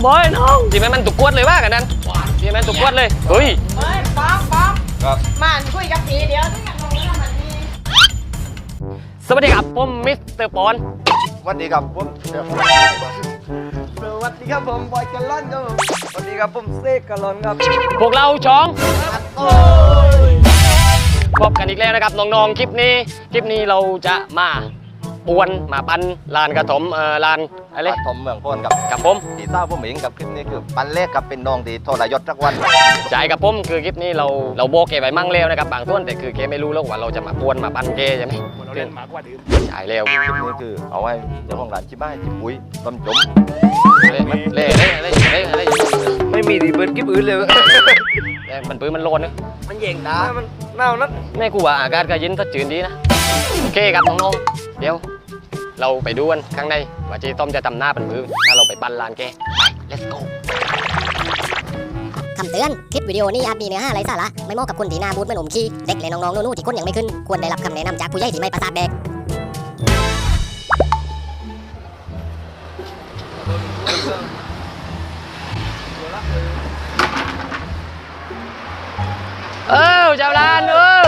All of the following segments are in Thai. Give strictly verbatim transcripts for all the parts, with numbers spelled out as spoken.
บอยน้องจีแม่มันตุกกวดเลยว่ากันนั้นจีแม่ตุกกวดเลยเฮ้ยเฮ้ยป๊อกป๊อกครับมันคุยกับผีเดียวที่กันลงแล้วมันมีสวัสดีครับผมมิสเตอร์ปอนสวัสดีครับผมสวัสดีครับผมบอยกะลอนครับผมสวัสดีครับผมเซกกะลอนครับพวกเราช้องพบกันอีกแล้วนะครับน้องๆคลิปนี้คลิปนี้เราจะมาปวนมาปันลานกระถมเอ่อลานอะไรกระถมเมืองพนกับกับผมที่ทราบผมเองกับคลิปนี้คือปันเลขกับเป็นน้องดีโทรยศจักวันจ่ายกับผมคือคลิปนี้เราเราโบกเกไปมั่งแล้วนะครับบางส่วนแต่คือเกไม่รู้แล้วว่าเราจะมาปวนมาปันเกใช่ไหมเราเล่นมากกว่าดื่มจ่ายแล้วคลิปนี้คือเอาไว้เจ้าของร้านชิบ้าจิบปุ้ยต้มจมเล่เล่เล่เล่เล่เล่ไม่มีดีเบิร์ดกิ๊บอื่นเลยมันปืนมันโลนนึงมันเย่งตามันเน่านัดแม่กูว่าอากาศก็เย็นสดชื่นดีนะโอเคครับน้องๆเดี๋ยวเราไปดูกันข้างในว่าเจ๊ต้อมจะทำหน้าเป็นมือถ้าเราไปปั้นลานแกไป let's go คำเตือนคลิปวิดีโอนี้อาจมีเนื้อหาไร้สาระไม่เหมาะกับคนที่หน้าบูดเหมือนอมขี้เด็กและน้องๆนู่นๆที่ก้นยังไม่ขึ้นควรได้รับคำแนะนำจากผู้ใหญ่ที่ไม่ประสาทแดกเออเจ้าลานเออ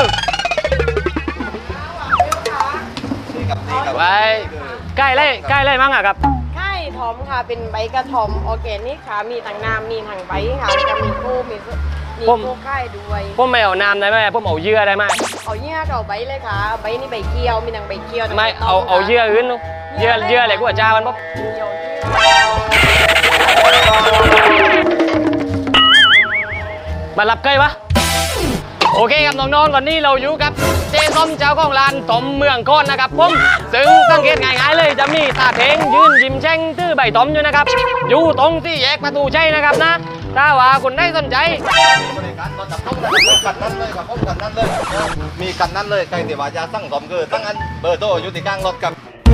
ไปใกล้เลยใกล้เลยมั้งอ่ะครับไข่ถอมค่ะเป็นใบกระถอมออร์แกนิกค่ะมีทั้งน้ำมีทั้งใบค่ะจะมีกู้มีมีกู้ไข่ด้วยผมไม่เอาน้ำได้ไหมผมเอาเยื่อได้ไหมเอาเยื่อเอาใบเลยค่ะใบนี่ใบเกียวมีทั้งใบเกียวไม่เอาเอาเยื่ออื่นเยื่อเยื่ออะไรกูอาจารย์มันปุ๊บมารับใกล้วะโอเคครับน้องๆก่อนนี้เราอยู่กับเจ๊ส้มเจ้าของร้านต้มเมืองก้อนนะครับผมซึ่งสังเกตง่ายๆเลยจะมีตาเทงยืนยิ้มแช่งตื้อใบต้มอยู่นะครับอยู่ตรงที่แยกประตูชัยนะครับนะถ้าว่าคุณได้สนใจบริการตอนจับต้องกันนั้นเลยครับผมกันนั้นเลยมีกันนั้นเลยใครที่ว่าจะสั่งต้มคือตั้งอันเบอร์โทรอยู่ที่กลางรถกับ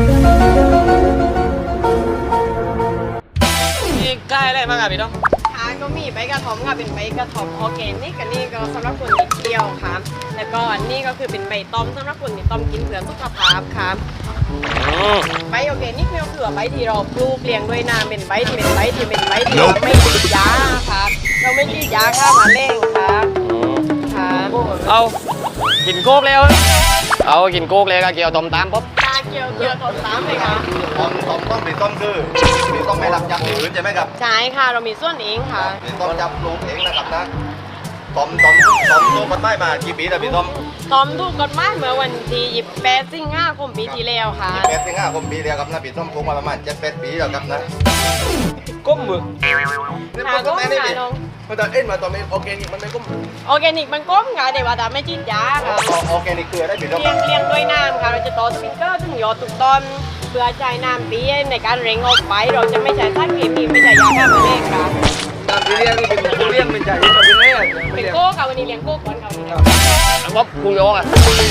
นี่ใกล้เลยมั้งครับพี่น้องก็มีใบกระถอมค่ะเป็นใบกระถอมออร์แกนิกกันนี่ก็สำหรับคนที่เที่ยวค่ะแล้วก็อันนี้ก็คือเป็นใบต้มสำหรับคนที่ต้มกินเพื่อสุขภาพค่ะใบออร์แกนิกเนี่ยคือใบที่เราปลูกเลี้ยงด้วยน้ำเป็นใบที่เป็นใบที่เป็นใบที่เราไม่ฉีดยาค่ะเราไม่ฉีดยาฆ่าแมลงค่ะค่ะเอากินโคกแล้วเอากินโคกเลยก็เกี่ยวต้มตามปุ๊บเกี่ยวเกี่ยวต้มตามเลยค่ะต้มต้มต้มเป็นต้มคือมีต้มไม่รับจับอื่นใช่ไหมครับใช่ค่ะเรามีส่วนเองค่ะเป็นต้มจับปลูกเองนะครับนะต้มต้มต้มต้มกันไม้มากี่ปีแล้วพี่ต้มต้มถูกกฎหมายเมื่อวันที่ยี่สิบแปดสิงหาคมปีที่แล้วค่ะยี่สิบแปดสิงหาคมปีแล้วครับนะพี่ต้มปลูกมาประมาณเจ็ดแปดปีแล้วครับนะก้มมือหาก้มหาน้องมันจะเอ็นมาตอนนี้ออร์แกนิกมันไม่ก้มออร์แกนิกมันก้มค่ะแต่ว่าแต่ไม่ฉีดยาค่ะออร์แกนิกคืออะไรพี่ต้มเลี้ยงเลี้ยงด้วยน้ำค่ะเราจะต่อสปริงเกอร์ถึงยอดทุกต้นเพื่อใช้น้ำปีในการเร่งออกไปเราจะไม่ใช้สารเคมีไม่ใช้ยาฆ่าแมลงค่ะน้ำที่เลี้ยงนี่เป็นเลี้ยงเป็นใจเป็นอะไรเป็นโก้ค่ะวันนี้เลี้ยงโก้ก่อนค่ะวันนี้บ๊อบกูโยกอ่ะ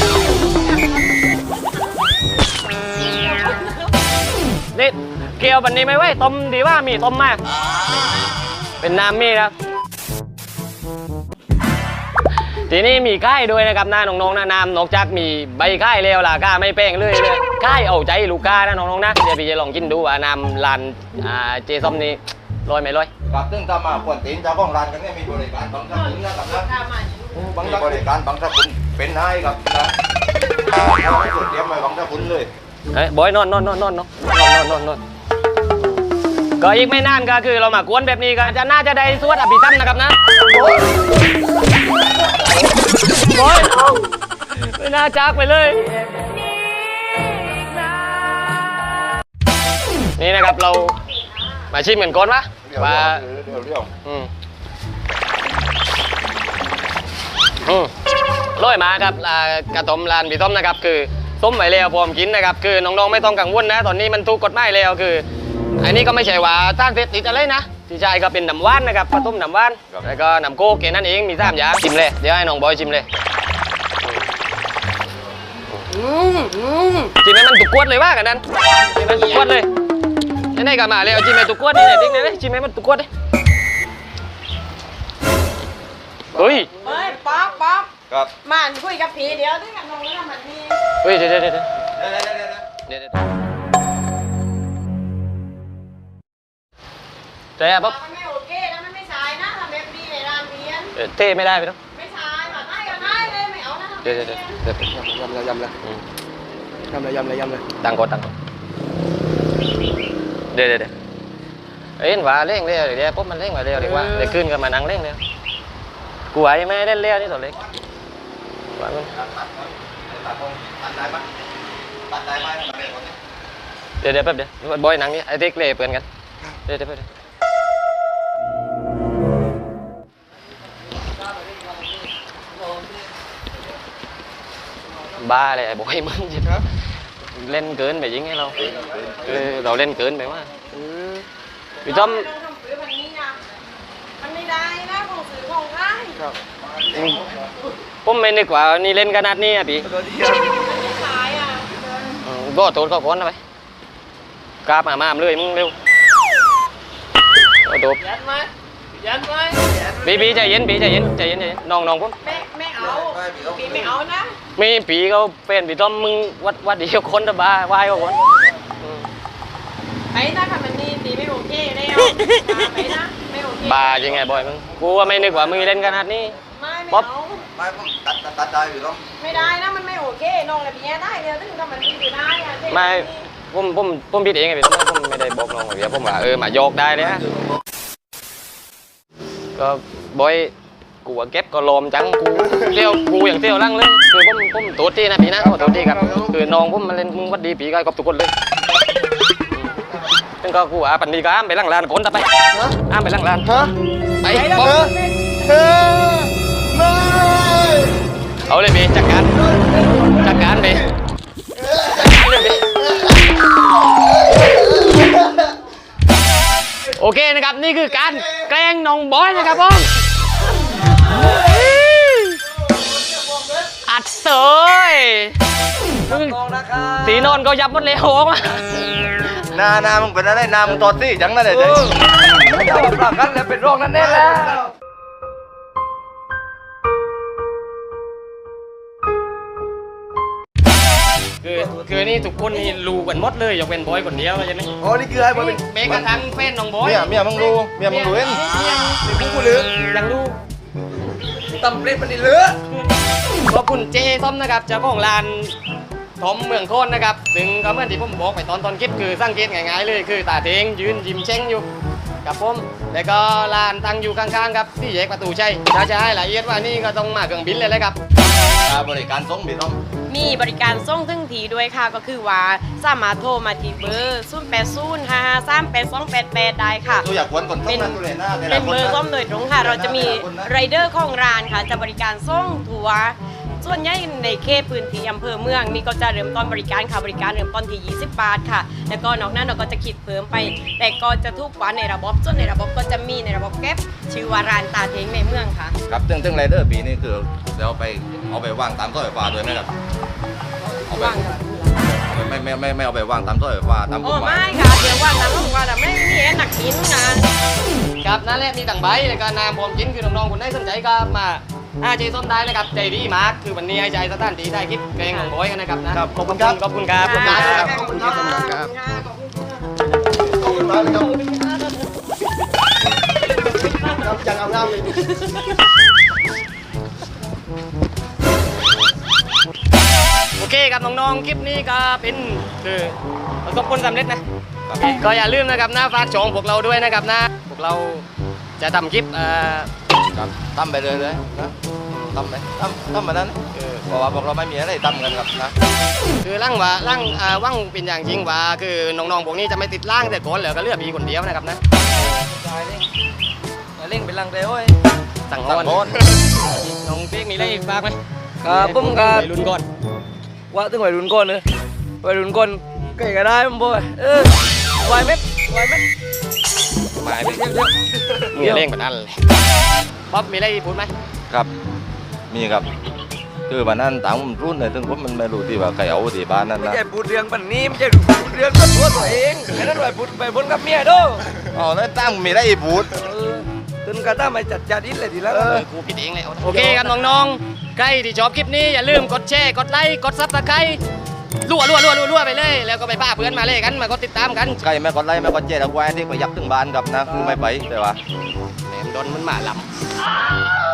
นี่เกี่ยวบันนี้ไม่ไหวต้มดีว่ามีต้มมากเป็นน้ำมีครับทีนี้มีค่ายด้วยนะครับน้าน้องๆนะน้ำนอกจากมีใบค่ายเลวล่ะก้าไม่แป้งเลยเลยค่ายเอาใจลูกค้านะน้องๆนะเดี๋ยวพี่จะลองกินดูว่าน้ำลานเจส้มนี้ลอยไหมลอยกับซึ่งถ้ามาควรตีนเจ้าของร้านกันเนี่ยมีบริการบางท่านนะครับนะบางบริการบางท่านเป็นนายครับนะเราไม่สุดเตรียมไว้บางท่านเลยเฮ้ยบอยนอนนอนนอนนอนนอนนอนนอนนอนก็อีกไม่นานก็คือเรามากวนแบบนี้ก็จะน่าจะได้สวดอภิธรรมนะครับนะบอยไม่น่าจากไปเลยนี่นะครับเรามาชิมเหมือนก้นปะว่าอืมอืมร้อยมาครับกระต้มลานพี่ต้มนะครับคือต้มไว้แล้วพร้อมกินนะครับคือน้องๆไม่ต้องกังวลนะตอนนี้มันถูกกฎหมายแล้วคืออันนี้ก็ไม่ใช่ว่าต้านเสพติดอะไรนะที่ใช่ก็เป็นน้ำว่านนะครับผสมน้ำว่านแล้วก็น้ำโค้กแค่นั้นเองมีสามอย่างชิมเลยเดี๋ยวให้น้องบอยชิมเลยชิมให้มันตุกกวดเลยว่ากันนั้นชิมให้มันตุกกวดเลยนี่ๆก็มาเลยเอาชิมให้ตุกกวดนี่ๆติ๊กเลยชิมให้มันตุกกวดเลยเฮ้ยเฮ้ยป๊อกป๊อกครับมันคุยกับผีเดียวที่กันลงแล้วมันมีเฮ้ยเดี๋ยวเดี๋ยวเดี๋ยวเดี๋ยวแต่ปั๊บมันไม่โอเคนะมันไม่ใช่นะทำแบบนี้ในร้านเรียนเอ่อเท่ไม่ได้ไปแล้วไม่ใช่แบบได้ก็ได้เลยไม่เอานะทำแบบเดี๋ยวเดี๋ยวนี้เดี๋ยวเดี๋ยวยำเลยยำเลยอืมยำเลยยำเลยยำเลยตังก่อนตังก่อนเดี๋ยวเดี๋ยวเดี๋ยวเอ็นว่าเร่งเร็วเดี๋ยวปุ๊บมันเร่งมาเร็วดีกว่าเดี๋ยวขึ้นกันมานั่งเร่งเร็วกูไหวไม่เล่นเร็วนี่ตัวเล็กว่ามันตัดตรงตัดได้ไหมตัดได้ไหมตัดได้ไหมเดี๋ยวเดี๋ยวแป๊บเดี๋ยวบอยหนังนี่ไอ้เด็กเล่เปื่อนกันเดี๋ยวเดี๋ยวแป๊บเดี๋ยวบ้าเลยไอ้บอยมึงจิครับเล่นเกินไปยิงให้เราเออเราเล่นเกินไปว่าพี่ต้อมไม่ต้องทำฝืนแบบนี้นะมันไม่ได้นะของสื่อของได้ครับผมไม่นึกว่านี่เล่นขนาดนี้อ่ะพี่ตัวเดียวมันไม่ใช่อ่ะอืมก็โทษก็ก้อนนะไปกราบมามามเลยมึงเร็วเอาโดบยันไหมยันไหมปีปีใจเย็นปีใจเย็นใจเย็นใจเย็นน้องน้องผมไม่ไม่เอาปีไม่เอานะมีปีเขาเป็นปีต้อมมึงวัดวัดเดียวคนตะบ้าวายก็คนอืมไอ้ถ้าทำแบบนี้ปีไม่โอเคแล้วไปนะไม่โอเคบ้าจริงไงบอยมึงกูว่าไม่นึกว่ามึงเล่นขนาดนี้ไม่ไม่ป๊อปเอาไม่ผมตัดตัดตัดได้อยู่ต้องไม่ได้นะมันไม่โอเคน้องอะไรแบบนี้ได้เลยถึงทำมันดีอยู่ได้อะเจ๊ไม่ผมผมผมผิดเองไงพี่ต้อมผมไม่ได้บอกน้องเดี๋ยวผมว่าเออมาโยกได้เลยนะก็บอยกูว่าเก็บก็ลมจังกูเที่ยวกูอย่างเที่ยวลั่งเลยคือผมผมตัวที่นะพี่นะขอตัวที่ครับคือน้องผมมาเล่นมึงวัดดีปีก็กับทุกคนเลยซึ่งก็กูอ่ะปันดีก็อ้ามไปลั่งลานคนต่อไปอ้ามไปลั่งลานฮะไปเธบออเธอไม่เอาเลยพี่จัดการจัดการพี่จัดการเลยพี่โอเคนะครับนี่คือการแกล้งน้องบอยนะครับผมอัดเสยมึงมองนะครับสีนอนก็ยับหมดเลยโอ้มาหน้าหน้ามึงเป็นอะไรหน้ามึงตอดซี่จังนั่นเลยเออไม่เอาปากกันแล้วเป็นรองนั่นแน่แล้วคือคือนี่ทุกคนนี่รู้กันหมดเลยยกเป็นบอยคนเดียวใช่ไหมอ๋อนี่คือให้บอยเป็นเมกระทั่งแฟนน้องบอยเมียเมียมึงรู้เมียมึงรู้เองเป็นผู้ลือยังรู้ตำเล็ดมันนี่เลือขอบคุณเจส้มนะครับเจ้าของร้านทอมเมืองโคนนะครับถึงก็เหมื่อนที่ผมบอกไปตอนตอนคลิปคือสังเกตง่ายๆเลยคือตาเทงยืนยิ้มเช้งอยู่กับผมแล้วก็ร้านตั้งอยู่ข้างๆครับที่แยกประตูชัยถ้าจะให้ละเอียดว่านี่ก็ต้องมาเครื่องบินเลยเลยครับบริการส่งพี่ต้องมีบริการส่งถึงทีด้วยค่ะก็คือว่าสามารถโทรมาที่เบอร์ศูนย์แปดศูนย์ห้าห้าสามแปดสองแปดแปดได้ค่ะตัวอยากควนก่อนส่งนะตัวเลยหน้าเป็นเบอร์ส้มโดยตรงค่ะ เราจะมีไรเดอร์ของร้านค่ะ จะบริการส่งทัวร์ส่วนใหญ่ในเขตพื้นที่อำเภอเมืองนี่ก็จะเริ่มต้นบริการค่ะบริการเริ่มต้นที่ยี่สิบบาทค่ะ แล้วก็นอกนั้นเราก็จะคิดเพิ่มไป แต่ก็จะทุกวันในระบบส่วนในระบบก็จะมีในระบบแก๊ปชื่อว่าร้านตาเทงในเมืองค่ะครับตึ้งตึ้งไรเดอร์ปีนี้คือเดี๋ยวไปเอาไปวางตามต้นไฟฟ้าด้วยไหมครับเอาไปว่างค่ะไม่ไม่ไม่ไม่เอาไปวางตามต้นไฟฟ้าตามกโอ้ฎหมายไม่ค่ะเดี๋ยวว่างตามต้องว่าแต่ไม่มีแอนหนักกินนะครับนั่นแหละมีต่างใบแล้วก็นามผมกินคือน้องๆคนไหนสนใจก็มาอาเจส้มได้นะครับใจดีมากคือวันนี้ให้ใจสถานที่ได้คลิปแกงของบอยกันนะครับนะครับขอบคุณครับขอบคุณครับขอบคุณครับขอบคุณครับขอบคุณครับขอบคุณมากเลยครับจังเอาน้ำเลยโอเคครับน้องๆคลิปนี้ก็เป็นคือประสบผลสำเร็จนะก็อย่าลืมนะครับนะฝากชมพวกเราด้วยนะครับนะพวกเราจะทำคลิปเอ่อครับตั้มไปเลยเลยนะตั้มไปตั้มตั้มมาแล้วนะคือเพราะว่าพวกเราไม่มีอะไรตั้มกันครับนะคือร่างว่าร่างอ่าว่างเป็นอย่างจริงว่าคือน้องๆพวกนี้จะไม่ติดร่างแต่ก่อนเหลือก็เลือกมีคนเดียวนะครับนะตายเลยมาเล่งเป็นลังเดียวเว้ยสั่งตั้งงอนโอนน้องเป๊กมีอะไรอีกฝากไหมครับผมครับไปลุ้นก่อนว่าถึงวัยรุ่นก่อนเลยวัยรุ่นก่อนใกล้ก็ได้มั้งบอยเออไหวไหมไหวไหมมาไปเดี๋ยวเดี๋ยวมีเร่งแบบนั้นเลยป๊อปมีอะไรพูดไหมครับมีครับคือวันนั้นต่างผมรุ่นเลยถึงผมมันไม่รู้ที่ว่าใครเอาที่บ้านนั่นไม่นะใช่พูดเรื่องปันนี้ไม่ใช่พูดเรื่องตัวตัวเองไอ้นั่นไหวพูดไปบนกับเมียเด้ออ๋อนั่นตั้งมีได้อีบูดเออตึนกระต้ามาจัดจาดินเลยทีละเออกูผิดเองเลยโอเคครับน้องๆใครที่ชอบคลิปนี้อย่าลืมกดแชร์กดไลค์กดซับสไครต์รั่วรั่วรั่วรั่วรั่วไปเลยแล้วก็ไปพาเพื่อนมาเลยกันมาก็ติดตามกันใครไม่กดไลค์ไม่กดแชร์แล้วไว้ที่ไปยับถึงบ้านกับนะคือไม่ไปแต่ว่าแหมมโดนมันมาลำ